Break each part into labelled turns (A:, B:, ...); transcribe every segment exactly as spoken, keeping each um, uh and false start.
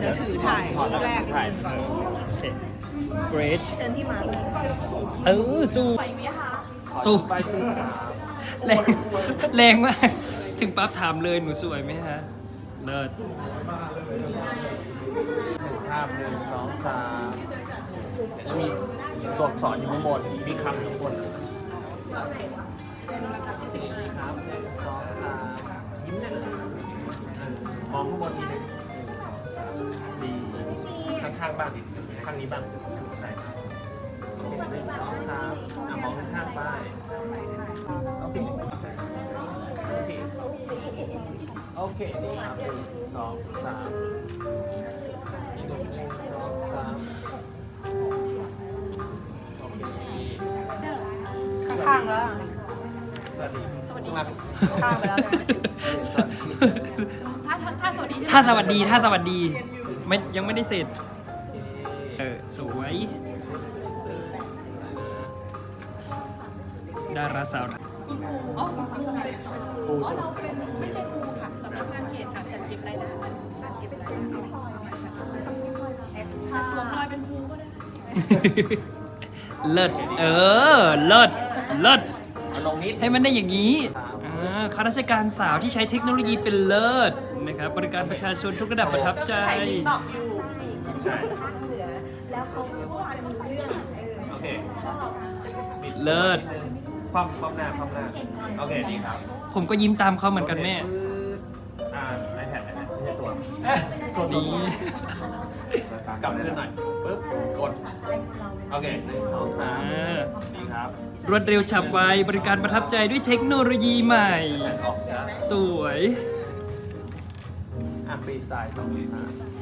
A: จะถือถ่าย
B: ถอดแล้ว
A: แรก
B: ถ่ายโอเค great
A: เชิญที่มาเลย
B: เออสู้
A: ไปไหมคะ
B: สู้
C: ไปสิครับ
B: แรงแรงมาก ถึงปั๊บถามเลยหนูสวยไหมฮะ เลิศ
C: ภาพหนึ่งสองสามเดี๋ยวจะมีตัวอักษรอยู่ข้างบนมีคำอยู่ข้างบนครับหนึ่งสองสามยิ้มได้เลยมองข้างบนทีหนึงหนึ่งสองสามดีข้างๆบ้างข้างนี้บ้างใช่ครับหนึ่งสองสามอ่ะมองข้างๆไปโอเคโอเคโอเคดีครับหนึ่งสองสามอีกหนึ่งหนึ่งสองสามโอเค
A: ข้างๆแล้วอะ
C: สวัสดีสวัสดีครับ
A: ข้ามไปแล้วนะ ถ้าถ้าถ้าสวัสดี
B: ถ้าสวัสดีถ้าสวัสดีไม่ยังไม่ได้เสร็จ เออ สวย ดาราสาว
A: อ๋ออ๋อเราเป็นไม่ใช่ครูค่ะสำนักงานเขตค่ะจัดเก็บรายได้จัดเก็บรายได้ค่ะสวมรอยเป็นครูก็ได้
B: เลิศ เออ เลิศ เลิศ
C: เอาลงนิด
B: ให้มันได้อย่างนี้อ่าข้าราชการสาวที่ใช้เทคโนโลยีเป็นเลิศนะครับ บริการประชาชนทุกระดับประทับใจ
A: ตอบอยู่
C: ใช่
D: เหลือแล้วเขาพูดกันรู้เรื่องเออ
C: โอเค
D: ชอบ
C: บิด
B: เลิศ
C: นิดนึงความความหน้าความหน้าโอเคดีครับ
B: ผมก็ยิ้มตามเขาเหมือนกันแม่
C: โอเคปึ๊บอ่า iPad iPad ไม่ใช่ตัวตัว
B: ดี
C: กลับขึ้นหน่อยปึ๊บกดโอเคหนึ่งสองสามดีครับ
B: รวดเร็วฉับไว บริการประทับใจด้วยเทคโนโลยีใหม่
C: แผ่นออกนะ
B: สวย
C: อ่ะฟรีสไตล์สองอ่ะ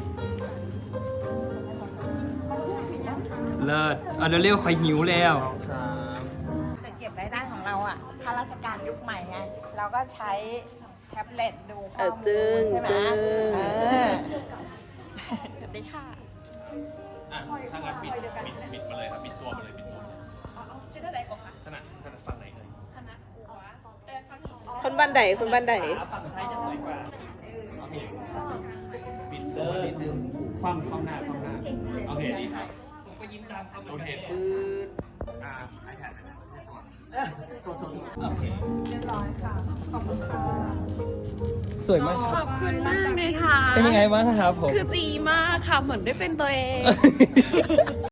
B: เลิศเอาเร็วๆคอยหิวแล้ว
C: สองสาม
A: แต่เก็บรายได้ของเราอ่ะข้าราชการยุคใหม่ไง เราก็ใช้แท็บเล็ตดูข้อมูลใช่ไหมเออสวัสดีค่ะ
C: อ่ะถ้างั้นบิดบิดบิดมาเลยครับบิดตัวมาเลยบิดตัว
A: ที่เท่าไหร่ก่อนคะ
C: ถนัดถนัดฝั่งไหนเลย
A: คณะครูวะเออฟังอีก
E: คนบันไดคนบันได
B: ขาฝั่งซ้ายจะสวยกว่า
C: โอเคบิดตัวนิดนึงคว่ำคว่ำหน้าคว่ำหน้าโอเคดีครับ
B: ผมก็ยิ้มตามเขาเหมื
C: โอ
B: อน
C: เค
B: กัน
C: ฟืดอ่า iPad นะครับตัวตัวตัวโอเค
B: สวยมากค
E: ข
B: รั
E: อ
B: บบ
E: คุณมากเลยค่ะ
B: เป็นยังไงบ้างครับผม
E: คือจีมากค่ะ เหมือนได้เป็นตัวเอง